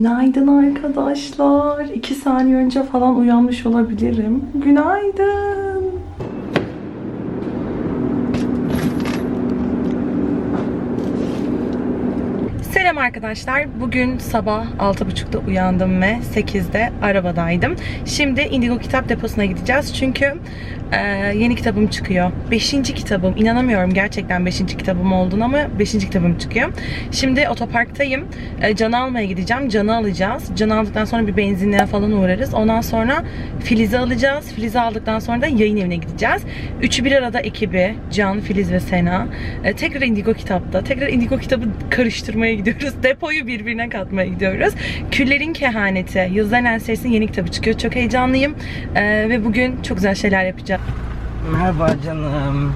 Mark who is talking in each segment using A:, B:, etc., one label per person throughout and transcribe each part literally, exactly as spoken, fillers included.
A: Günaydın arkadaşlar. İki saniye önce falan uyanmış olabilirim. Günaydın. Selam arkadaşlar. Bugün sabah altı buçukta uyandım ve sekizde arabadaydım. Şimdi Indigo Kitap Deposu'na gideceğiz. Çünkü e, yeni kitabım çıkıyor. Beşinci kitabım. İnanamıyorum gerçekten beşinci kitabım olduğunu ama beşinci kitabım çıkıyor. Şimdi otoparktayım. E, Can'ı almaya gideceğim. Can'ı alacağız. Can'ı aldıktan sonra bir benzinliğe falan uğrarız. Ondan sonra Filiz'i alacağız. Filiz'i aldıktan sonra da yayın evine gideceğiz. Üçü bir arada ekibi. Can, Filiz ve Sena. E, tekrar Indigo Kitap'ta. Tekrar Indigo Kitabı karıştırmaya gidiyoruz. Depoyu birbirine katmaya gidiyoruz. Küllerin Kehaneti. Yıldızların Ensesi'nin yeni kitabı çıkıyor. Çok heyecanlıyım. Ee, ve bugün çok güzel şeyler yapacağım.
B: Merhaba canım.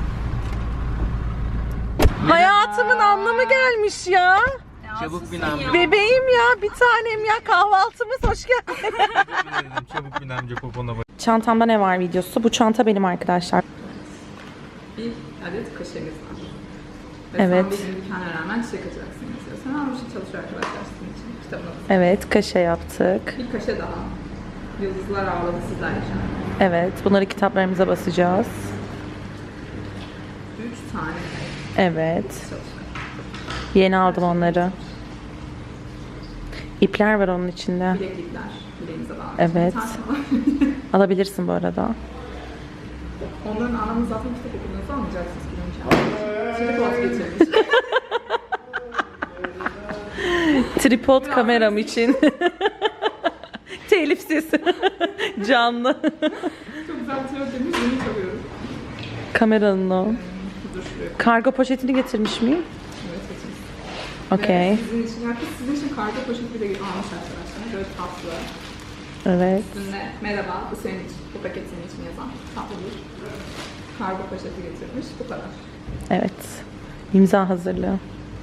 A: Hayatımın anlamı gelmiş ya.
B: Çabuk bin amca.
A: Bebeğim ya, bir tanem ya. Kahvaltımız hoş geldin.
B: Çabuk bin amca popona bak.
A: Çantamda ne var videosu? Bu çanta benim arkadaşlar.
C: Bir adet kaşemiz var. Ve
A: Evet.
C: sen bir imkana rağmen çiçek atacaksın mesela. Sen almış çalışıyor arkadaşlar sizin için kitabını.
A: Evet, kaşe yaptık.
C: Bir kaşe daha. Yıldızlar ağladı sizler için.
A: Evet, bunları kitaplarımıza basacağız.
C: Üç tane
A: Evet.
C: çalışıyor.
A: Yeni aldım onları. İpler var onun içinde.
C: Bileklikler. Bileğimize bağlı.
A: Evet.
C: Bir tane var.
A: Alabilirsin bu arada.
C: Onların anlamını zaten kitap okuduğunuzda anlayacaksınız ki imkanı. Şimdi vazgeçirmiş.
A: Tripod kameram için. Telifsiz. Canlı.
C: Çok güzel bir tiyatro demiş. Bunu çalıyorum.
A: Kameranın o.
C: Dur şuraya.
A: Kargo poşetini getirmiş miyim?
C: Evet, seçin.
A: Okey.
C: Ve sizin için, herkes sizin için kargo poşeti bile almış arkadaşlar. Böyle tatlı.
A: Evet.
C: Üstünde merhaba, bu senin için, bu paket senin için yazan tatlı bir kargo poşeti getirmiş. Bu kadar.
A: Evet. İmza hazırlığı.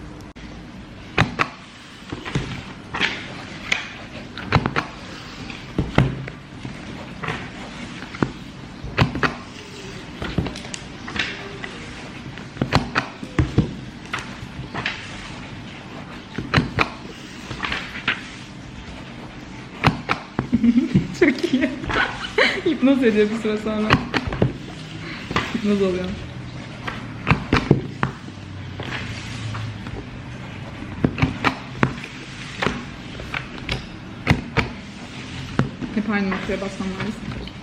C: Çok iyi. Hipnoz ediyor bir süre sonra. Hipnoz oluyor. Hep aynı noktaya basmam lazım.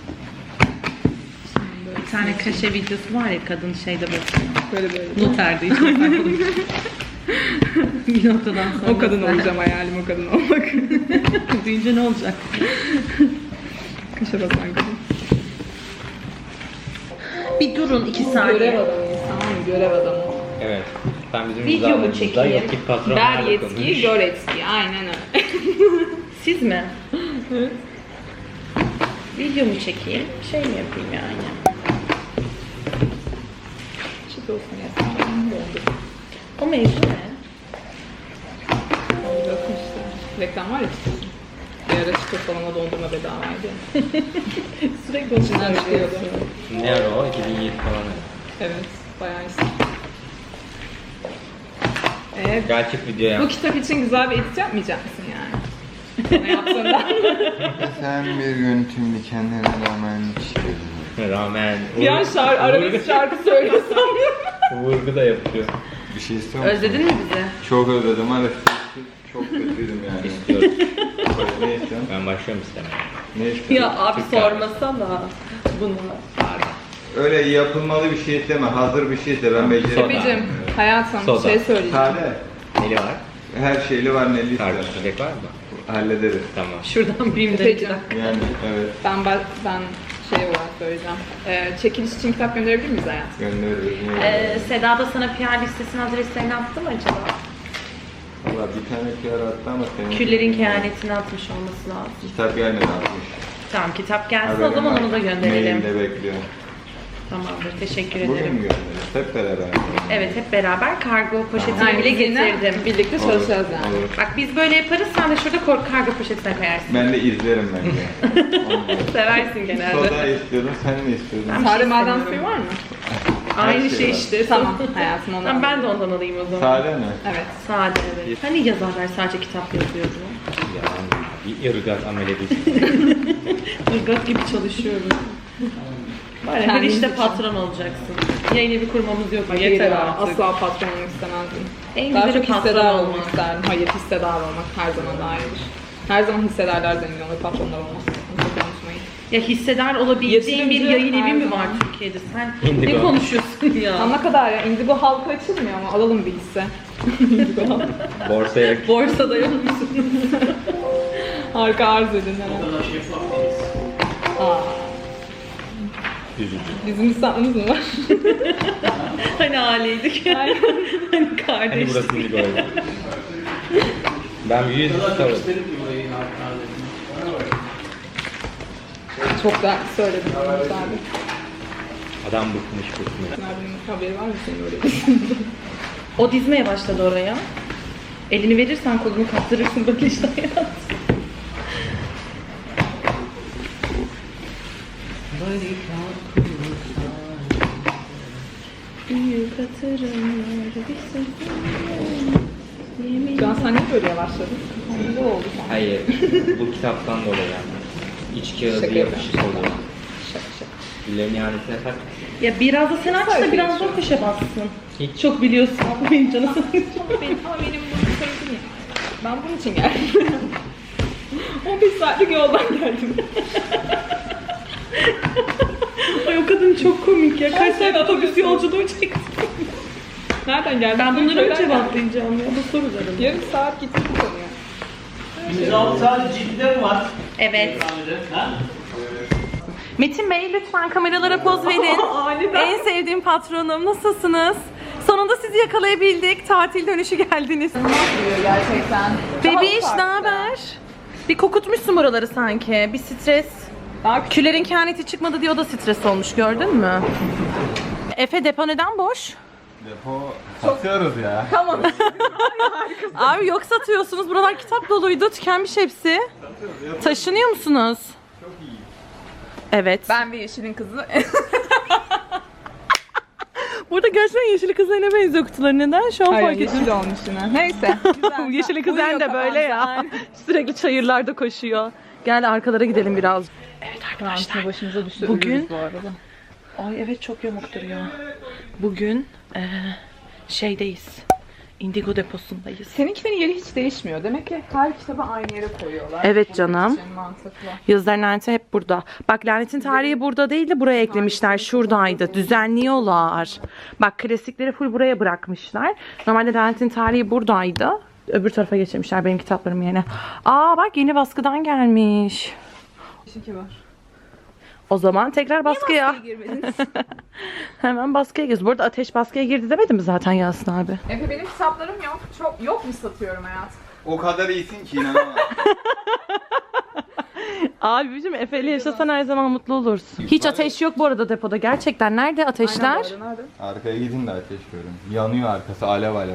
A: Bir tane kaşe videosu var ya, kadın şeyde bakıyor.
C: Böyle böyle.
A: Noterde hiç bir noktadan sonra.
C: O kadın olacağım, hayalim o kadın olmak.
A: Duyunca ne olacak?
C: Kaşa basan kadın.
A: Bir durun iki saniye.
C: Görev adamıyız, tamam mı? Görev adamı.
B: Evet. Ben bizim
A: Videomu
B: imzalarımızda
A: çekeyim.
B: yetkili
C: Ver
B: patronlarla
C: yetkiyi,
B: konuş.
C: gör etkiyi. Aynen öyle.
A: Siz mi? Videomu çekeyim. Şey mi yapayım yani?
C: Çıt olsun ya. Dondu.
A: O mevzu ne?
C: Dondu bakın işte. Reklam var ya çıtır. Bir ara çıtır salona dondurma bedavaydı.
A: Sürekli o
C: İçinden çıkıyordu.
B: Ne ara o? iki bin yedi falan.
C: Evet, bayağı iyisin. Evet.
B: Gerçek video
C: Bu
B: yap.
C: kitap için güzel bir edit yapmayacak mısın yani? Bana yaptığından.
D: Sen bir yönetümlü kendine rağmen çiğdin.
B: Rağmen.
C: Bir an şarkı, arabesk şarkı söylüyorsam.
B: Vurgu da yapıyor.
D: Bir şey istiyor musun?
A: Özledin mi bizi?
D: Çok özledim. Hadi çok kötüydüm yani.
B: İstiyorum.
D: Ne istiyorsun?
B: Ben başlıyorum istemeye.
D: Ne istiyorsun?
A: Ya abi
B: Türk
A: sormasana bunu.
D: Öyle yapılmalı bir şey isteme. Hazır bir şey iste. Ben beceremem.
C: Tepeciğim, hayatım
B: Soda.
C: şey söyleyeceğim.
D: Sade.
B: Neli var?
D: Her şeyli var neli
B: Kardeş
D: istersen.
B: çilek var mı?
D: Hallederiz.
B: Tamam.
A: Şuradan bir imdat.
C: Tepeciğim,
D: Yani evet.
C: ben, ben, ben şey olarak söyleyeceğim. Ee, çekiliş için kitap gönderebilir miyiz hayatım?
D: Göndeririz.
A: Ee, Seda da sana P R listesinin adreslerini attı mı acaba?
D: Valla bir tane P R attı ama senin...
A: Küllerin Kehaneti'ni atmış olması lazım.
D: Kitap gelmedi atmış.
A: Tamam, kitap gelsin
D: Haberim
A: o zaman
D: var.
A: onu da gönderelim.
D: Mailde bekliyor.
A: Tamamdır, teşekkür
D: Bugün
A: ederim.
D: mü göndeririz? Hep beraber.
A: Evet, hep beraber kargo poşetini
C: Aynen,
A: bile
C: sizinle
A: getirdim.
C: Birlikte çalışacağız yani.
D: Olur.
A: Bak biz böyle yaparız, sen de şurada kor- kargo poşetine koyarsın.
D: Ben de izlerim bence.
A: Seversin genelde.
D: Soda istiyordum, sen ne istiyordun?
A: Ben-
C: Sade
A: şey
C: maden
A: istemiyorum.
C: suyu var mı?
A: Aynı
D: şey
A: şey
D: var.
A: işte.
C: Tamam hayatım onu.
A: Tamam, ben de ondan alayım o zaman.
D: Sade mi?
C: Evet.
A: Sade, evet. Hani yazarlar sadece kitap yazıyordu.
B: Yalan. Bir ırgat amele düştü.
A: Irgat gibi çalışıyorum. Var ya, her
C: Kendiniz
A: işte
C: için.
A: patron olacaksın. Yayın evi kurmamız yok.
C: Hayır
A: Yeter
C: ya,
A: artık.
C: asla patron olmak istemezdim.
A: En
C: Daha
A: güzeli
C: çok
A: patron
C: hissedar
A: olmak.
C: olmak isterdim. Hayır, hissedar olmak her zaman daha iyidir. Her zaman hissedarlar zengin olur, patronlar olmaz. Bunu çok unutmayın.
A: Ya hissedar olabileceğin bir
C: Yatırımcı
A: yayın evi
C: her
A: mi var
C: zaman.
A: Türkiye'de? Sen
B: Indigo.
A: ne konuşuyorsun ya?
C: Ama ne kadar ya, Indigo halka açılmıyor ama alalım bir hisse. Indigo halka.
B: Borsaya
A: Borsada yolmuşsun.
C: Harika arz edin hemen. Aa,
B: üzücü.
C: bizim hissatımız mı var?
A: Hani aileydik. hani
B: Hani
A: kardeştik.
B: burası indigo oldu. Ben bir yüz tutarım.
C: Çok da söyledim. Abi.
B: Adam bıkmış bıkmış.
C: Benim haberi var mı senin öyle bir?
A: O dizmeye başladı oraya. Elini verirsen kolunu kaptırırsın böyle işte hayat. Büyük hatırımlar bir sözüm.
C: Şu an sen niye böyle yavaşladın? Ne oldu sen?
B: Hayır. Bu kitaptan dolayı yani. İç kağıdı
C: Şaka
B: yapışık
C: yapıyorum.
B: oluyor.
C: Şaka şaka.
B: Dillerin ihanetine tak.
A: Ya biraz da sen aç da biraz da o köşe bassın.
B: Hiç.
A: Çok biliyorsun. Benim canım.
C: Benim, ama benim bunu sevdim ya. Ben bunun için geldim. on beş saatlik yoldan geldim.
A: Ay o kadın çok komik ya. Kaç
C: Ay,
A: saat
C: sen
A: otobüs
C: atıyorsun.
A: yolculuğu çekti.
C: Nereden geldin?
A: Ben bunları mı
C: Köyden geldim.
A: cevaplayacağım ya? Bu sorularım.
C: Yarım saat gittik bu konuya.
E: yüz altı saat cidden mi var?
A: Evet.
E: Ha?
A: Metin Bey lütfen kameralara poz verin.
C: Aniden.
A: En sevdiğim patronum. Nasılsınız? Sonunda sizi yakalayabildik. Tatil dönüşü geldiniz.
C: Diyor gerçekten.
A: Bebiş
C: Daha
A: ne
C: farklı.
A: haber? Bir kokutmuşsun buraları sanki. Bir stres.
C: Daha küçük.
A: Külerin kehaneti çıkmadı diye o da stres olmuş, gördün mü? Efe depo neden boş?
D: Depo satıyoruz ya.
C: Tamam.
A: Abi yok satıyorsunuz. Buralar kitap doluydu. Tükenmiş hepsi. Taşınıyor musunuz?
D: Çok iyi.
A: Evet.
C: Ben bir yeşilin kızı.
A: Burada gerçekten yeşil kızlarına benziyor kutuları. Neden? Şu an
C: Hayır,
A: fark ettim.
C: yeşil olmuş yine. Neyse. Güzel.
A: Yeşil kız
C: Uyuyor
A: de böyle ya.
C: kafamda.
A: Sürekli çayırlarda koşuyor. Gel arkalara gidelim biraz. Evet
C: Arkadaşlar başımıza düştü.
A: Bugün-
C: Ölürüz bu arada.
A: Ay evet çok yamuk duruyor. Bugün eee, şeydeyiz. Indigo deposundayız.
C: Seninkilerin yeri hiç değişmiyor. Demek ki her kitabı aynı yere koyuyorlar.
A: Evet
C: Bunun
A: canım.
C: için mantıklı.
A: Yazılar laneti hep burada. Bak lanetin tarihi burada değil de buraya eklemişler. Şuradaydı. Düzenliyorlar. Bak klasikleri full buraya bırakmışlar. Normalde lanetin tarihi buradaydı. Öbür tarafa geçirmişler benim kitaplarım yerine. Aa bak yeni baskıdan gelmiş.
C: İki var.
A: O zaman tekrar baskıya.
C: girmediniz?
A: Hemen baskıya giriyoruz. Bu arada Ateş baskıya girdi demedi mi zaten Yasin abi?
C: Efe benim kitaplarım yok. Çok yok mu satıyorum hayatım?
D: O kadar iyisin ki inanamam.
A: Abi bizim Efe'yle yaşasan her zaman mutlu olursun. Hiç ateş yok bu arada depoda. Gerçekten nerede ateşler?
C: Aynen bu arada, nerede?
D: Arkaya gidin de ateş görün. Yanıyor arkası alev alev.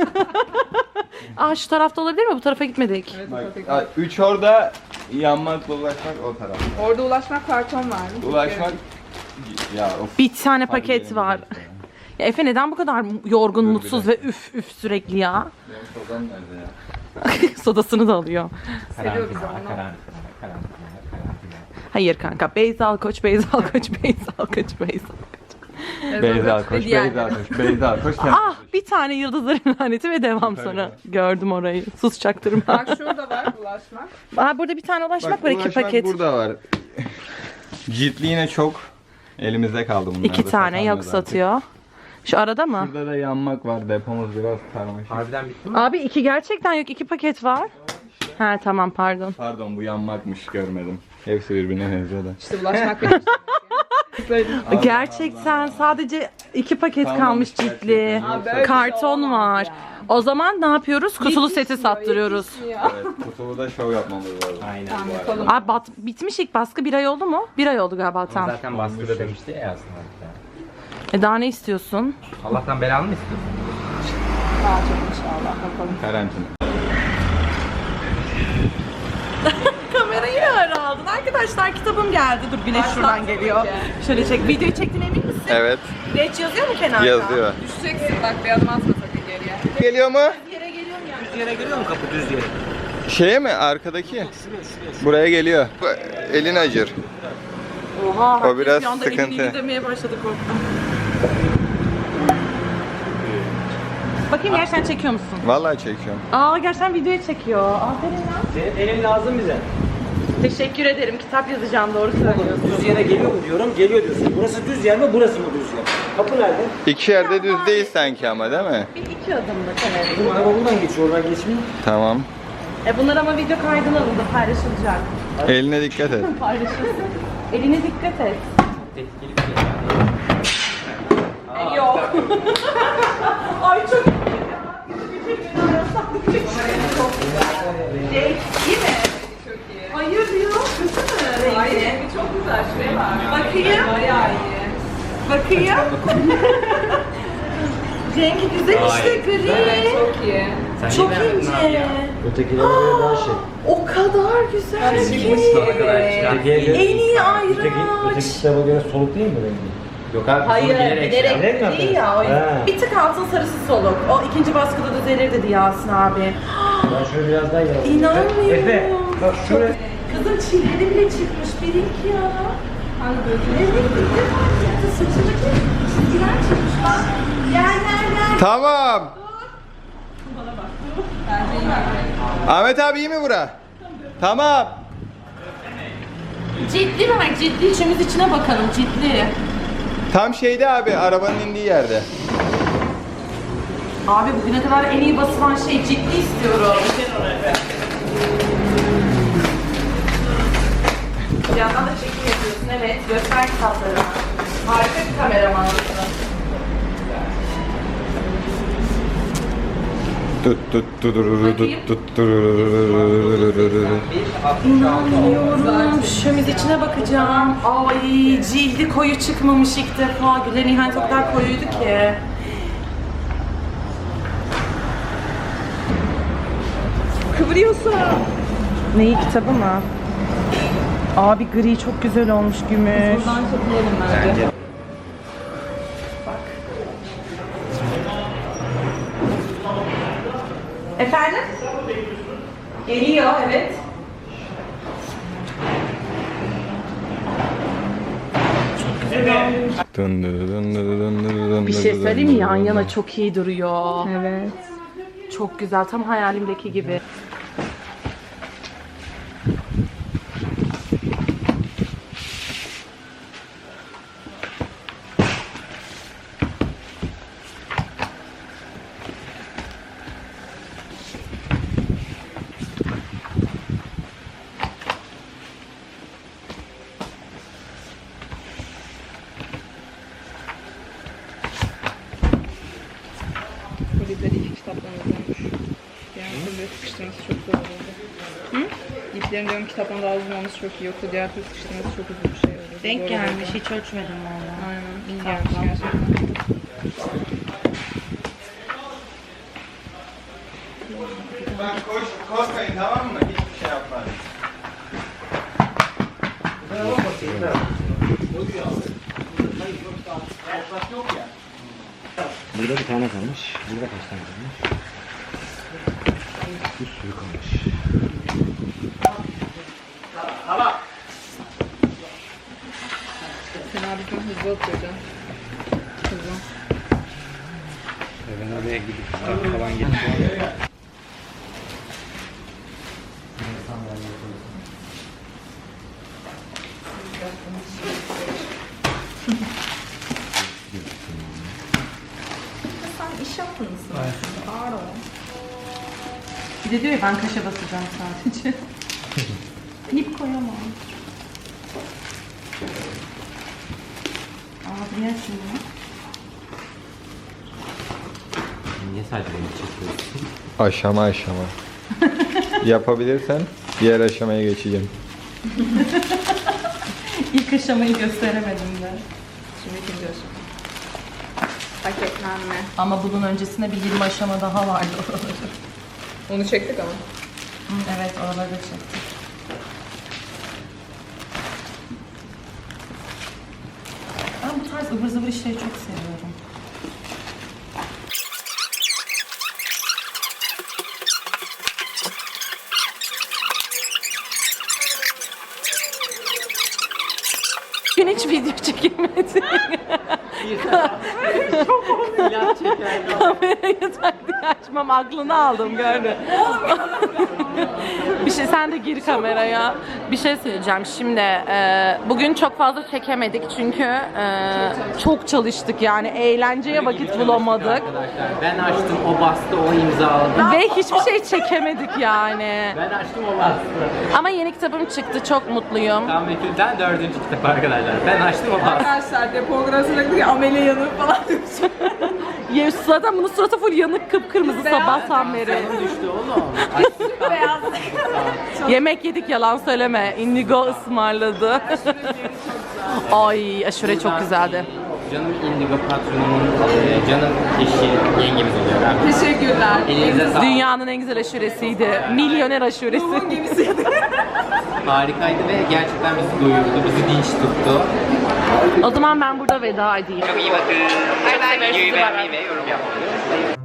A: Aa şu tarafta olabilir mi? Bu tarafa gitmedik.
C: Evet,
D: Bak,
C: tabii ki.
D: a- üç orada yanmakla ulaşmak o tarafta.
C: Orada ulaşmak karton var.
D: Ulaşmak ya of.
A: Bir tane
D: Hadi
A: paket
D: gelin
A: var.
D: işte.
A: Ya Efe neden bu kadar yorgun,
D: Dur bir
A: mutsuz ve
D: dakika.
A: üf üf sürekli ya?
D: Benim sodam nerede ya?
A: Sodasını da alıyor.
C: Seviyor bizi
B: Karantina,
C: onu.
B: karantina, karantina, karantina.
A: Hayır kanka. Beyza Koç, Beyza Koç, Beyza Koç, Beyza Koç.
D: Beyza
C: Ve
D: koş,
C: diğerleri.
D: Beyza koş, Beyza koş.
A: Ah bir tane yıldızların laneti ve devam
D: Süper
A: sonra.
D: ya.
A: Gördüm orayı. Sus çaktırma.
C: Bak şurada var ulaşmak.
A: Aa burada bir tane ulaşmak var iki
D: ulaşmak
A: paket.
D: burada var. Ciltli yine çok elimizde kaldı bunlar.
A: İki
D: da
A: tane
D: satamıyoruz
A: yok
D: artık.
A: satıyor. Şu arada mı?
D: Burada da yanmak var. Depomuz biraz karmaşık.
B: Harbiden bitti mi?
A: Abi iki gerçekten yok. iki paket var. Ha tamam pardon.
D: Pardon bu yanmakmış görmedim. Hepsi birbirine benziyor da.
C: İşte ulaşmak benim için.
D: Allah
A: Gerçekten sadece iki paket
D: Kalmamış
A: kalmış
D: gerçekten.
A: ciltli.
D: Ha,
C: böyle bir şey
A: Karton
C: olmaz
A: var.
C: ya.
A: O zaman ne yapıyoruz? Kutulu seti
C: Yetişmiyor,
A: sattırıyoruz.
C: yetişmiyor.
D: Evet, kutulu da şov yapmamız lazım.
B: Aynen
C: Tamam,
B: bu arada.
C: yapalım.
A: Abi bat, bitmiş ilk baskı bir ay oldu mu? Bir ay oldu galiba
B: Ama
A: tam.
B: zaten baskıda demişti ya aslında.
A: E daha ne istiyorsun?
B: Allah'tan belanı mı istiyorsun?
C: Daha çok inşallah bakalım.
D: Karantina.
A: Kamerayı ara aldın. Arkadaşlar arkadaşlar kitabım geldi. Dur güneş şuradan geliyor. Şöyle çek. Videoyu çektin emin misin?
D: Evet.
A: Geç yazıyor mu kenarda?
D: Yazıyor.
C: Düşeceksin bak bir adım atma sakın geriye.
D: Geliyor mu?
A: Yere geliyorum ya.
E: Düz yere geliyor mu kapı düz yere?
D: Şeye mi? Arkadaki? Buraya geliyor. Bu, elin acır.
A: Oha.
D: O biraz
A: bir anda
D: sıkıntı.
A: elini demeye başladı korktum. Bakayım gerçekten çekiyor musun?
D: Vallahi çekiyorum.
A: Aa gerçekten videoya çekiyor. Aferin lan.
E: Senin elin lazım bize.
A: Teşekkür ederim. Kitap yazacağım doğru söylüyorsun.
E: Düz yere geliyor mu diyorum, geliyor diyorsun. Burası düz yer mi, burası mı düz yer? Kapı nerede?
D: İki yerde düz değil sanki ama değil mi?
A: Bir iki adımlık evet.
E: Bizim araba buradan geçiyor, oradan geçmiyor.
D: Tamam.
A: E bunlar ama video kaydına alındı. Paylaşılacak.
D: Eline dikkat et.
A: Paylaşılsın. Eline dikkat et.
B: Tehlikeli bir şey.
A: E, yok. Ay çok Cenk iyi mi?
C: Çok iyi.
A: Hayır diyor. Kötü mü?
C: Hayır
A: Rengi?
C: rengi çok güzel şuraya bak.
A: Bakayım.
C: Bayağı iyi.
A: Bakayım. Cenk güzel işte
C: Evet
A: gri.
C: çok iyi.
B: Sen
A: Çok
B: iyi beğendin abi
A: ince.
B: ya.
E: Ötekilere göre daha şey.
A: O kadar güzel
C: Şimdi
A: ki.
B: Sana kadar çıkan.
E: Ötekiye göre-
A: En iyi
E: Öteki, öteki
A: ayraç.
E: kitaba göre soluk değil mi rengi?
B: Yok abi.
A: Hayır,
B: bunu bilerek
A: bilerek
B: şey
E: Bilerek mi
A: değil ya. O
E: yapıyorsun?
A: bir tık altın sarısı soluk. O ikinci baskıda düzelir dedi Yasin abi.
E: Ben şöyle biraz daha yaralım.
A: İnanmıyorum.
E: Efe, bak şöyle.
A: Kızım çilleri bile çıkmış. Birik ya.
C: Hangi gözü?
A: Evet, ilk defa çıktı. Saçındaki çizgiler çıkmış bak. Gel gel gel.
D: Tamam.
C: Bence iyi bak.
D: Ahmet abi iyi mi bura? Tamam.
A: Ciddi bak ciddi. İçimiz içine bakalım ciddi.
D: Tam şeyde abi, arabanın indiği yerde.
A: Abi bugüne kadar en iyi basılan şey ciddi istiyorum. Bir yandan da çekim yapıyorsun evet. Göster kitapları. Harika bir kameramansın.
D: Tut tut tut tut tut tut tut.
A: İnanmıyorum. Şömiz içine bakacağım. Ay cildi koyu çıkmamış ilk defa. Gülen İhanet o kadar koyuydu ki. Kıvırıyorsa. Neyi kitabı mı? Abi gri çok güzel olmuş gümüş.
C: Buradan çekilelim bence.
A: Bak. Efendim? Geliyor evet.
D: Dın dı dın dı dın dı dın
A: Bir
D: dı
A: şey
D: dın
A: söyleyeyim mi?
D: dı
A: Yan
D: dın
A: yana
D: dı.
A: çok iyi duruyor.
C: Evet.
A: Çok güzel. Tam hayalimdeki gibi.
C: Polisleri iki kitaptan uzunmuş. Diğer türlü sıkıştırması çok zor olurdu. Hı? İplerin diyorum kitaptan daha uzun olması çok iyi. Yoksa diğer türlü sıkıştırması çok uzun bir şey olurdu. Zor
A: Denk
C: olurdu.
A: gelmiş. Hiç ölçmedim valla.
C: Aynen. İyi gelmiş gerçekten.
D: Ben koş, korkmayın tamam mı? Hiçbir şey yapmaz.
E: Burada bir tane kalmış. Burada kaç tane kalmış? Bir sürü kalmış.
C: Sen abi çok hızlı atıyor can. Hızlı.
B: Ben oraya gidip kitap falan getiriyorum.
C: Sen iş yaptın mısın? Ağır ol.
A: Bir de diyor ya ben kaşa basacağım sadece. İp koyamam. Abi niye şimdi?
B: Niye sadece beni çekiyorsun?
D: Aşama aşama. Yapabilirsen diğer aşamaya geçeceğim.
A: İlk aşamayı gösteremedim de.
C: Şimdi ikinci aşama. Paketlenme.
A: Ama bunun öncesinde bir yirmi aşama daha vardı oraları.
C: Onu çektik ama.
A: Hı, evet oraları da çektik. tarz ıvır zıvır işleri çok seviyorum. Bugün hiç video çekilmedi. Kamerayı tak diye açmam, aklını aldım gördün. Bir şey, sen de gir kameraya. Bir şey söyleyeceğim şimdi. E, bugün çok fazla çekemedik çünkü e, çok çalıştık yani, eğlenceye vakit bulamadık.
B: Arkadaşlar ben açtım, o bastı, o imzaladı.
A: Ve hiçbir şey çekemedik yani.
B: Ben açtım, o bastı.
A: Ama yeni kitabım çıktı, çok mutluyum.
B: Tam Betül'den dördüncü kitap arkadaşlar. Ben açtım, o bastı.
C: Arkadaşlar depografisine diyor amele yanık falan demiş.
A: Ya, zaten bunun suratı full yanık, kıpkırmızı sabahtan beri.
B: Düştü oğlum.
C: Beyaz.
A: Yemek yedik, yalan söyleme. Indigo ısmarladı. Ay, aşure çok güzeldi.
B: Canım Indigo patronumun, e, canım eşi, yengemiz oluyor abi.
C: Teşekkürler.
B: Elinize sağlık.
A: Dünyanın en güzel aşuresiydi. Milyoner aşuresi.
C: Bunun gemisiydi.
B: Harikaydı ve gerçekten bizi doyurdu, bizi dinç tuttu.
A: O zaman ben burada veda edeyim.
B: Çok iyi bakın. Videoyu beğenmeyi ve yorum yapmayı unutmayın.